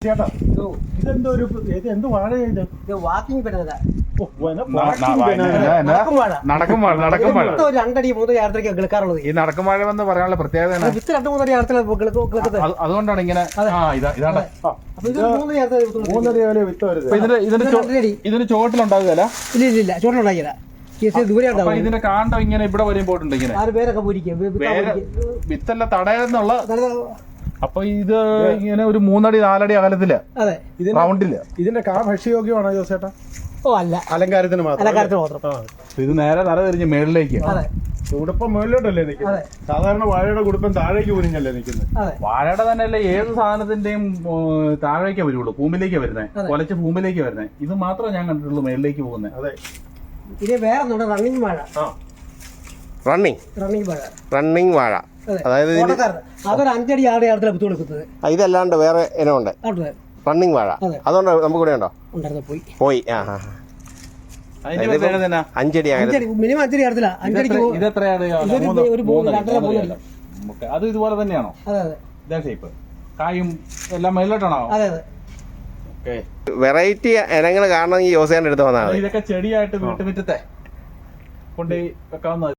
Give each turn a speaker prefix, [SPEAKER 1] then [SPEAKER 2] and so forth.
[SPEAKER 1] ചേട്ടാ ഇതെന്തോ ഒരു എന്ത് വാഴ ഇത്
[SPEAKER 2] വാക്കിംഗ് പെടുന്നതാ.
[SPEAKER 3] നടക്കും വാഴ
[SPEAKER 2] ഒരു 2 അടി 3 യാത്രയ്ക്ക് കിളക്കാറുള്ളത്.
[SPEAKER 3] ഈ നടക്കും വാഴ എന്ന് പറയാനുള്ള പ്രത്യേകത
[SPEAKER 2] വിത്ത് 2-3 അടി യാത്രത്തിൽ
[SPEAKER 3] അതുകൊണ്ടാണ് ഇങ്ങനെ ഇതാണ്
[SPEAKER 2] അപ്പൊ ഇത് 3 യാത്ര
[SPEAKER 1] 3 അടി വരെ വിത്ത് വരുന്നത്.
[SPEAKER 3] ഇതിന് ചോട്ടിലുണ്ടാകുകയല്ല.
[SPEAKER 2] ഇല്ല ചോട്ടിലുണ്ടാക്കിയതാ. ദൂരെ
[SPEAKER 3] അപ്പൊ ഇതിന്റെ കാണ്ടം ഇങ്ങനെ ഇവിടെ വരെയും പോയിട്ടുണ്ട്. ഇങ്ങനെ
[SPEAKER 2] 6 പേരൊക്കെ പൂരിക്കും
[SPEAKER 3] വിത്തല്ല തടയെന്നുള്ള. അപ്പൊ ഇത് ഇങ്ങനെ ഒരു 3 അടി 4 അടി അകലത്തില് റൗണ്ടില്.
[SPEAKER 1] ഇതിന്റെ കാ ഭക്ഷ്യയോഗ്യമാണോ ജോസേട്ടാ?
[SPEAKER 2] അല്ല,
[SPEAKER 1] അലങ്കാരത്തിന്
[SPEAKER 2] മാത്രം.
[SPEAKER 3] ഇത് നേരെ തല തിരിഞ്ഞ് മേളിലേക്ക്.
[SPEAKER 1] ഉടുപ്പം മേളിലോട്ടല്ലേ നിൽക്കുന്നത്? സാധാരണ വാഴയുടെ കുടുപ്പം താഴേക്ക് കുനിഞ്ഞല്ലേ നിൽക്കുന്നത്?
[SPEAKER 3] വാഴയുടെ തന്നെ അല്ലേ ഏത് സാധനത്തിന്റെയും താഴേക്കേ വരുള്ളൂ, ഭൂമിയിലേക്ക് വരുന്നത്, കൊലച്ച് ഭൂമിയിലേക്ക് വരുന്നത്. ഇത് മാത്രമേ ഞാൻ കണ്ടിട്ടുള്ളൂ മേളിലേക്ക് പോകുന്നത്.
[SPEAKER 1] അതെ.
[SPEAKER 2] ഇത് വേറെ റണ്ണിങ് വാഴ.
[SPEAKER 4] റണ്ണിങ് വാഴ, അതായത്
[SPEAKER 2] അതൊരു 5 അടി 6 യാത്രയിലാണ് കുത്തു കൊടുക്കുന്നത്.
[SPEAKER 4] ഇതല്ലാണ്ട് വേറെ ഇനമുണ്ട് റണ്ണിങ് വാഴ. അതുകൊണ്ട് നമുക്ക് ഇവിടെ ഉണ്ടോ? പോയി 5 അടി
[SPEAKER 2] മിനിമം 5 അടി യാത്രയിലാ. 5 അടിക്ക്
[SPEAKER 3] ഇത് എത്രയാണ്? അത് ഇതുപോലെ തന്നെയാണോ? ഇതാ ഷേപ്പ്, കായും എല്ലാം മേലോട്ടാണോ?
[SPEAKER 4] വെറൈറ്റി ഇനങ്ങൾ കാണണമെങ്കിൽ യോസേന്റെ അടുത്ത് വന്നാൽ
[SPEAKER 3] ഇതൊക്കെ ചെടിയായിട്ട് വീട്ടുമുറ്റത്തെ കൊണ്ട് വെക്കാവുന്ന